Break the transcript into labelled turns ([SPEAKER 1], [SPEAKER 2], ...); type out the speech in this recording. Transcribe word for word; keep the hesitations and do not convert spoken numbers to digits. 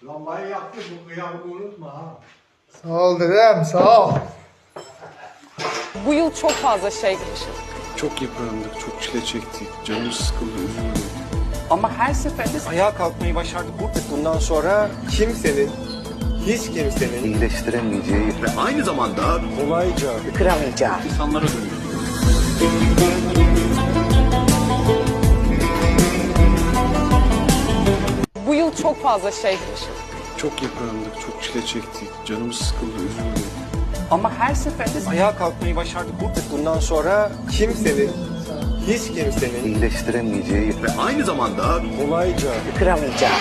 [SPEAKER 1] Lambayı yaktı, bu kıyamı unutma ha.
[SPEAKER 2] Sağ ol dedem, sağ ol.
[SPEAKER 3] Bu yıl çok fazla şey yaşadık.
[SPEAKER 4] Çok yıprandık, çok çile çektik. Canımız sıkıldı, üzüldük.
[SPEAKER 5] Ama her seferinde ayağa kalkmayı başardık.
[SPEAKER 6] Bundan sonra kimsenin, hiç kimsenin
[SPEAKER 7] iyileştiremeyeceği ve aynı zamanda
[SPEAKER 6] kolayca
[SPEAKER 8] kıramayacağı.
[SPEAKER 4] İnsanlara dönüyor.
[SPEAKER 3] Bu yıl çok fazla şey yaşadık.
[SPEAKER 4] Çok yıprandık, çok çile çektik. Canımız sıkıldı, üzüldük.
[SPEAKER 5] ama her seferinde ayağa kalkmayı başardık.
[SPEAKER 6] bundan sonra kimsenin, hiç kimsenin
[SPEAKER 7] iyileştiremeyeceği ve aynı zamanda
[SPEAKER 6] kolayca
[SPEAKER 8] Kıramayacağı.